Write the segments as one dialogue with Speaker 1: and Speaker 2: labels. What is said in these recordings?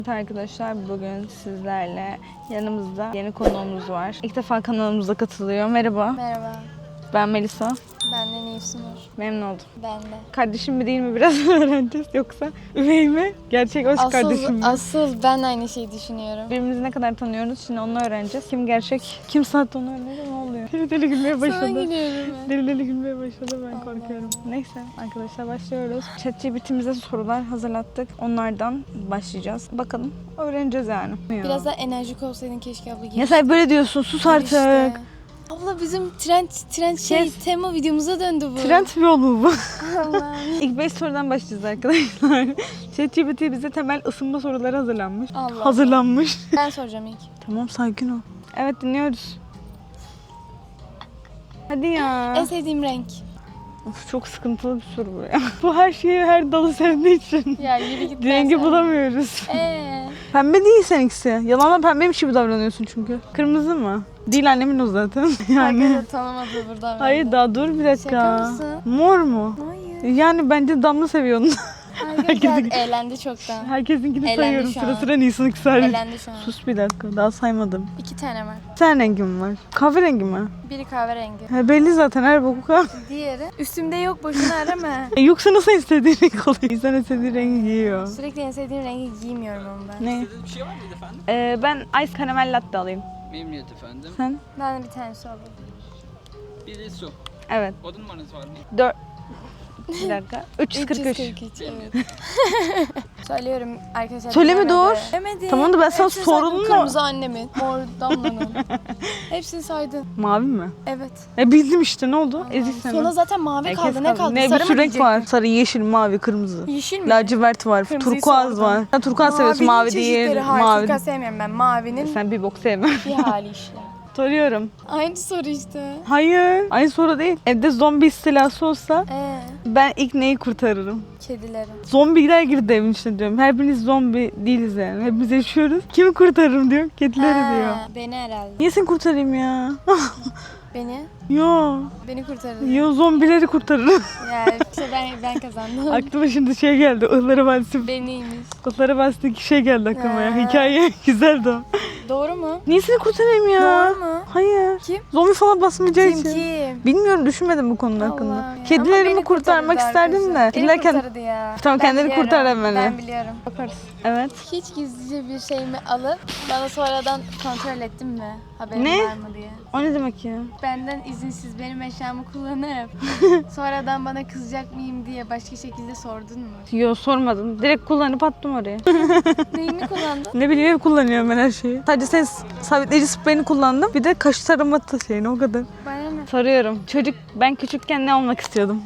Speaker 1: Evet arkadaşlar, bugün sizlerle yanımızda yeni konuğumuz var. İlk defa kanalımıza katılıyor. Merhaba.
Speaker 2: Merhaba.
Speaker 1: Ben Melisa.
Speaker 2: Ben de Nilsunur.
Speaker 1: Memnun oldum.
Speaker 2: Ben de.
Speaker 1: Kardeşim mi değil mi biraz öğreneceğiz. Yoksa üvey mi? Gerçek hoş kardeşim mi?
Speaker 2: Asıl ben aynı şeyi düşünüyorum.
Speaker 1: Birbirimizi ne kadar tanıyoruz şimdi onu öğreneceğiz. Kim gerçek, kim sahte onu öğreneceğiz. Ne oluyor? Deli deli gülmeye
Speaker 2: Sana
Speaker 1: başladı.
Speaker 2: gülüyorum ben.
Speaker 1: Deli deli gülmeye başladı, ben korkuyorum. Neyse arkadaşlar, başlıyoruz. ChatGPT'mize sorular hazırlattık. Onlardan başlayacağız. Bakalım öğreneceğiz yani.
Speaker 2: Biraz daha enerjik olsaydın keşke abla.
Speaker 1: Ya sen böyle diyorsun, sus artık.
Speaker 2: İşte. Abla bizim trend
Speaker 1: Yes.
Speaker 2: tema videomuza döndü bu.
Speaker 1: Trend mi yolu bu?
Speaker 2: Allah'ım.
Speaker 1: İlk 5 sorudan başlayacağız arkadaşlar. ChatGPT bize temel ısınma soruları hazırlanmış.
Speaker 2: Allah.
Speaker 1: Hazırlanmış.
Speaker 2: Ben soracağım ilk.
Speaker 1: Tamam, sakin ol. Evet, dinliyoruz. Hadi ya.
Speaker 2: En sevdiğim renk.
Speaker 1: Of, çok sıkıntılı bir soru bu ya. Bu her şeyi, her dalı sevdiği için.
Speaker 2: Ya yürü git.
Speaker 1: Rengi bulamıyoruz. Pembe değil seninkisi. Yalanla pembeymiş gibi davranıyorsun çünkü. Kırmızı mı? Değil, annemin o zaten. Yani.
Speaker 2: Arkadaşlar tanımadı burada.
Speaker 1: Hayır, daha dur bir dakika.
Speaker 2: Şaka mısın?
Speaker 1: Mor mu?
Speaker 2: Hayır.
Speaker 1: Yani bence Damla seviyor onu.
Speaker 2: Arkadaşlar eğlendi çoktan.
Speaker 1: Herkesinkini
Speaker 2: Elendi
Speaker 1: sayıyorum
Speaker 2: şu
Speaker 1: sıra
Speaker 2: an.
Speaker 1: sıra, Nisan'ı kısardım.
Speaker 2: Eğlendi şu an.
Speaker 1: Sus bir dakika, daha saymadım.
Speaker 2: 2 tane var.
Speaker 1: Bir tane rengim var. Kahverengi mi?
Speaker 2: Biri kahverengi.
Speaker 1: Belli zaten, her boku kahve.
Speaker 2: Diğeri üstümde yok, boşuna arama.
Speaker 1: Yoksa nasıl istediğin renk oluyor? İnsan istediği rengi giyiyor.
Speaker 2: Sürekli en sevdiğim rengi giymiyorum ama ben.
Speaker 1: Ne?
Speaker 3: İstediğiniz bir şey var mıydı efendim?
Speaker 1: Ben ice karamel latte alayım.
Speaker 3: Memnuniyet efendim.
Speaker 1: Sen?
Speaker 2: Ben de bir tane su alayım.
Speaker 3: Biri su.
Speaker 1: Evet.
Speaker 3: Oda numaranız var mı?
Speaker 1: 4. Bir dakika. 343.
Speaker 2: 343, evet. Söylüyorum arkadaşlar.
Speaker 1: Söyleme, dur.
Speaker 2: Demedi.
Speaker 1: Tamam da ben sana
Speaker 2: Hepsini saydım.
Speaker 1: sorun mu?
Speaker 2: Kırmızı annemin, mor Damla'nın. Hepsini saydın.
Speaker 1: Mavi mi?
Speaker 2: Evet.
Speaker 1: Bildim işte, ne oldu? Ezik seni.
Speaker 2: Sonra zaten mavi kaldı. Ne kaldı?
Speaker 1: Ne, bir
Speaker 2: Sarı
Speaker 1: sürü
Speaker 2: mı
Speaker 1: renk var. Sarı, yeşil, mavi, kırmızı.
Speaker 2: Yeşil mi?
Speaker 1: Lacivert var,
Speaker 2: Kırmızıyı
Speaker 1: turkuaz
Speaker 2: sordum.
Speaker 1: var. Sen turkuaz seviyorsun,
Speaker 2: Mavinin
Speaker 1: mavi değil.
Speaker 2: çeşitleri. Hayır,
Speaker 1: Mavi.
Speaker 2: turkuaz sevmiyorum ben. Mavinin
Speaker 1: Sen bir bok sevmem.
Speaker 2: bir hali işte.
Speaker 1: Soruyorum.
Speaker 2: Aynı soru işte.
Speaker 1: Hayır. Aynı soru değil. Evde zombi istilası olsa ben ilk neyi kurtarırım?
Speaker 2: Kedileri.
Speaker 1: Zombiler girdi evin içine diyorum. Her biriniz zombi değiliz yani. Hepimiz yaşıyoruz. Kimi kurtarırım diyor. Kedileri diyor.
Speaker 2: Beni herhalde.
Speaker 1: Niye seni kurtarayım ya?
Speaker 2: Beni?
Speaker 1: Yo.
Speaker 2: Beni kurtarır.
Speaker 1: Yo, zombileri kurtarırım.
Speaker 2: Yani işte ben kazandım.
Speaker 1: Aklıma şimdi şey geldi. Ihlara Vadisi.
Speaker 2: Beniymiş.
Speaker 1: Ihlara Vadisi'ndeki şey geldi aklıma ya.
Speaker 2: Ha.
Speaker 1: Hikaye güzeldi o.
Speaker 2: Doğru mu?
Speaker 1: Niye seni kurtarayım ya?
Speaker 2: Doğru mu?
Speaker 1: Hayır.
Speaker 2: Kim?
Speaker 1: Zombi falan basmayacağı
Speaker 2: Kim
Speaker 1: için.
Speaker 2: kim?
Speaker 1: Bilmiyorum, düşünmedim bu konu hakkında.
Speaker 2: Allah ya.
Speaker 1: Kedilerimi
Speaker 2: Ama beni
Speaker 1: kurtarmak
Speaker 2: kurtarırdı
Speaker 1: isterdim de.
Speaker 2: arkadaşlar.
Speaker 1: Kediler
Speaker 2: Beni
Speaker 1: kendi...
Speaker 2: kurtarırdı ya.
Speaker 1: Tamam,
Speaker 2: Ben
Speaker 1: kendini
Speaker 2: biliyorum.
Speaker 1: kurtar hemen.
Speaker 2: Ben biliyorum.
Speaker 1: Yaparız. Evet.
Speaker 2: Hiç gizlice bir şeyimi alıp bana sonradan kontrol ettin mi? Haberin
Speaker 1: Ne?
Speaker 2: var mı diye.
Speaker 1: O ne demek ya?
Speaker 2: Benden izinsiz benim eşyamı kullanıp sonradan bana kızacak mıyım diye başka şekilde sordun mu?
Speaker 1: Yo, sormadım. Direkt kullanıp attım oraya.
Speaker 2: Neyimi kullandın?
Speaker 1: Ne bileyim, kullanıyorum ben her şeyi. Sadece sen sabitleyici spreyini kullandım. Bir de kaş tarama şeyini, o kadar.
Speaker 2: Bana ne?
Speaker 1: Soruyorum. Ben küçükken ne olmak istiyordum?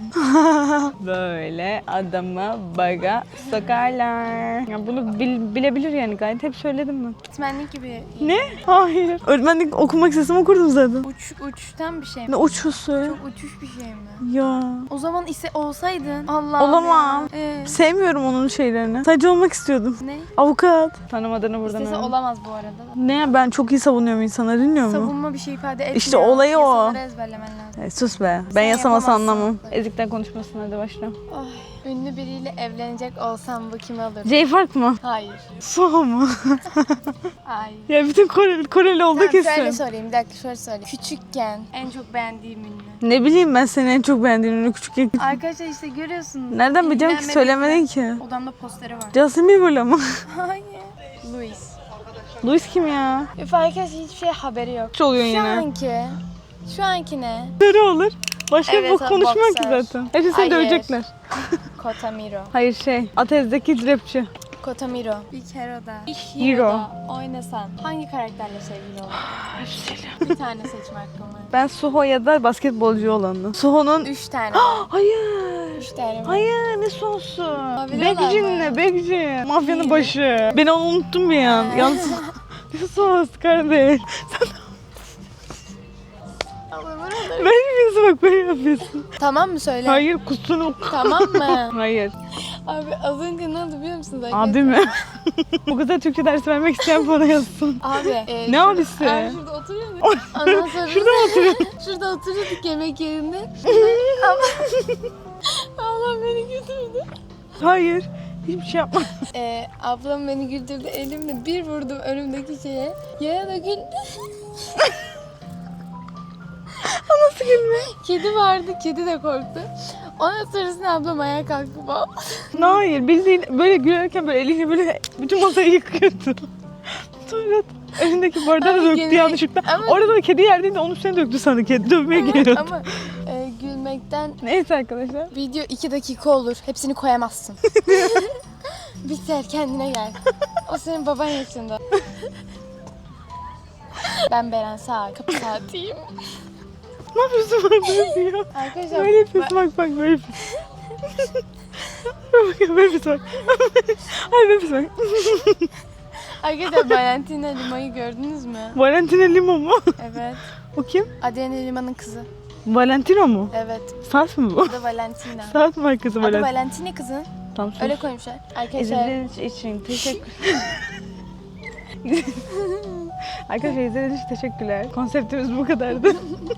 Speaker 1: Böyle adama baga sokarlar. Ya bunu bilebilir yani, gayet hep söyledim ben.
Speaker 2: Öğretmenlik gibi.
Speaker 1: Ne? Hayır. Öğretmenlik okumak istesem okurdum zaten.
Speaker 2: Uçtan bir şey mi?
Speaker 1: Ne uçusu?
Speaker 2: Çok uçuş bir şey mi?
Speaker 1: Ya.
Speaker 2: O zaman ise olsaydın. Allah'ım
Speaker 1: Olamam.
Speaker 2: ya.
Speaker 1: Sevmiyorum onun şeylerini. Sadece olmak istiyordum.
Speaker 2: Ne?
Speaker 1: Avukat. Tanımadığını buradan
Speaker 2: İstese
Speaker 1: öğren.
Speaker 2: olamaz bu arada.
Speaker 1: Ne? Ben çok iyi savunuyorum insanları, dinliyor musun?
Speaker 2: Savunma bir şey ifade etmiyor.
Speaker 1: İşte olayı o.
Speaker 2: Yasaları ezberlemen lazım.
Speaker 1: Sus be. Ben
Speaker 2: Sen
Speaker 1: yasamasa
Speaker 2: yapamazsın.
Speaker 1: anlamam. Ezikten konuşmasın, hadi başla.
Speaker 2: Ay, ünlü biriyle evlenecek olsam bu kimi alırım?
Speaker 1: J-Fark mı?
Speaker 2: Hayır.
Speaker 1: Suha mı?
Speaker 2: Hayır.
Speaker 1: Ya bütün Koreli oldu
Speaker 2: Tamam,
Speaker 1: kesin.
Speaker 2: şöyle sorayım. Bir dakika şöyle söyleyeyim. Küçükken en çok beğendiğim ünlü.
Speaker 1: Ne bileyim ben seni en çok beğendiğini küçükken.
Speaker 2: Arkadaşlar işte görüyorsunuz.
Speaker 1: Nereden bileceğim ki,
Speaker 2: İlgilenmediğim-
Speaker 1: söylemedin ki.
Speaker 2: Odamda posteri var.
Speaker 1: Justin Bieber'la mı?
Speaker 2: Hayır. Louis.
Speaker 1: Louis kim ya?
Speaker 2: Üf, arkadaşlar hiçbir şey haberi yok.
Speaker 1: Hiç oluyor
Speaker 2: Şu
Speaker 1: yine.
Speaker 2: anki ne?
Speaker 1: Ne olur? Başka
Speaker 2: Evet,
Speaker 1: bir bok konuşmuyor ki
Speaker 2: boxer.
Speaker 1: zaten. Hepsi seni
Speaker 2: Hayır.
Speaker 1: dövecekler.
Speaker 2: Kotamiro.
Speaker 1: Hayır, Atez'deki rapçi.
Speaker 2: Kotamiro. Bir Hero'da. Bir
Speaker 1: Hero.
Speaker 2: Hero'da oynasan hangi karakterle sevgili olurdun? Bir tane seçme hakkım var.
Speaker 1: Ben Suho ya da basketbolcu olanı. Suho'nun...
Speaker 2: 3 tane var.
Speaker 1: Hayır.
Speaker 2: 3 tane var.
Speaker 1: Hayır, ne sosu?
Speaker 2: Biliyorlar
Speaker 1: Bekci
Speaker 2: mı?
Speaker 1: ne? Bekci. Mafyanın
Speaker 2: İyi.
Speaker 1: başı. Ben onu unuttum bir an. Yalnız... Ne sos kardeş? Ben yapıyorsun, bak böyle yapıyorsun.
Speaker 2: Tamam mı söyle?
Speaker 1: Hayır, kusunu...
Speaker 2: Tamam mı?
Speaker 1: Hayır.
Speaker 2: Abi az önce ne oldu biliyor musunuz?
Speaker 1: Abi mi? Bu kadar Türkçe dersi vermek isteyen bana yazsın.
Speaker 2: Abi.
Speaker 1: Ne
Speaker 2: şurada-
Speaker 1: abisi?
Speaker 2: Abi şurada oturuyorduk. Ondan sonra
Speaker 1: Şurada mı oturuyor?
Speaker 2: şurada oturuyorduk yemek yerinde. Allah beni götürdü.
Speaker 1: Hayır. Hiçbir şey yapmadım.
Speaker 2: Ablam beni güldürdü. Elimle bir vurdum önümdeki şeye. Yaya da güldü.
Speaker 1: Nasıl gülme?
Speaker 2: Kedi vardı. Kedi de korktu. Ondan sonrasında ablam ayağa kalktı falan.
Speaker 1: Hayır, bildiğin böyle gülerken böyle eliyle böyle bütün masayı yıkıyordu. Sonra elindeki bardağı da
Speaker 2: Ama
Speaker 1: döktü
Speaker 2: gene-
Speaker 1: yanlışlıkla.
Speaker 2: ama-
Speaker 1: Orada da kedi yerdeydi, onun üstüne döktü sandı, kedi dövmeye geliyordu.
Speaker 2: Ama gülmekten
Speaker 1: Neyse arkadaşlar.
Speaker 2: video 2 dakika olur. Hepsini koyamazsın. Biter, kendine gel. O senin baban yaşında. Ben Beren Sağ, kapı saatiyim.
Speaker 1: Ne yapıyorsun bana ya?
Speaker 2: Arkadaşlar
Speaker 1: Böyle yapıyorsun, bak böyle yapıyorsun. Böyle yapıyorsun bak. Hayır, böyle yapıyorsun bak.
Speaker 2: Arkadaşlar Valentina Lima'yı gördünüz mü?
Speaker 1: Valentina Lima mu?
Speaker 2: Evet.
Speaker 1: O kim?
Speaker 2: Adriana Lima'nın kızı.
Speaker 1: Valentino mu?
Speaker 2: Evet.
Speaker 1: Sas mı bu?
Speaker 2: Adı Valentina.
Speaker 1: Sas markası
Speaker 2: Adı
Speaker 1: Valentina.
Speaker 2: Valentina kızın.
Speaker 1: Tamam, sus.
Speaker 2: Öyle koymuşlar. Arkadaşlar
Speaker 1: İzlediğiniz için teşekkür. Arkadaşlar izlediğiniz için teşekkürler. Konseptimiz bu kadardı.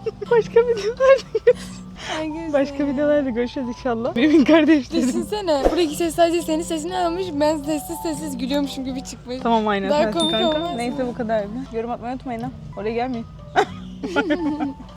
Speaker 1: Başka videolarda görüşürüz inşallah. Benim kardeşlerim.
Speaker 2: Düşünsene. Buradaki ses sadece senin sesini almış. Ben sessiz sessiz gülüyormuşum gibi çıkmış.
Speaker 1: Tamam, aynen.
Speaker 2: Daha
Speaker 1: sensin
Speaker 2: komik
Speaker 1: kanka.
Speaker 2: olmaz mı?
Speaker 1: Neyse, bu kadardı. Yorum atmayı unutmayın ha. Oraya gelmeyin.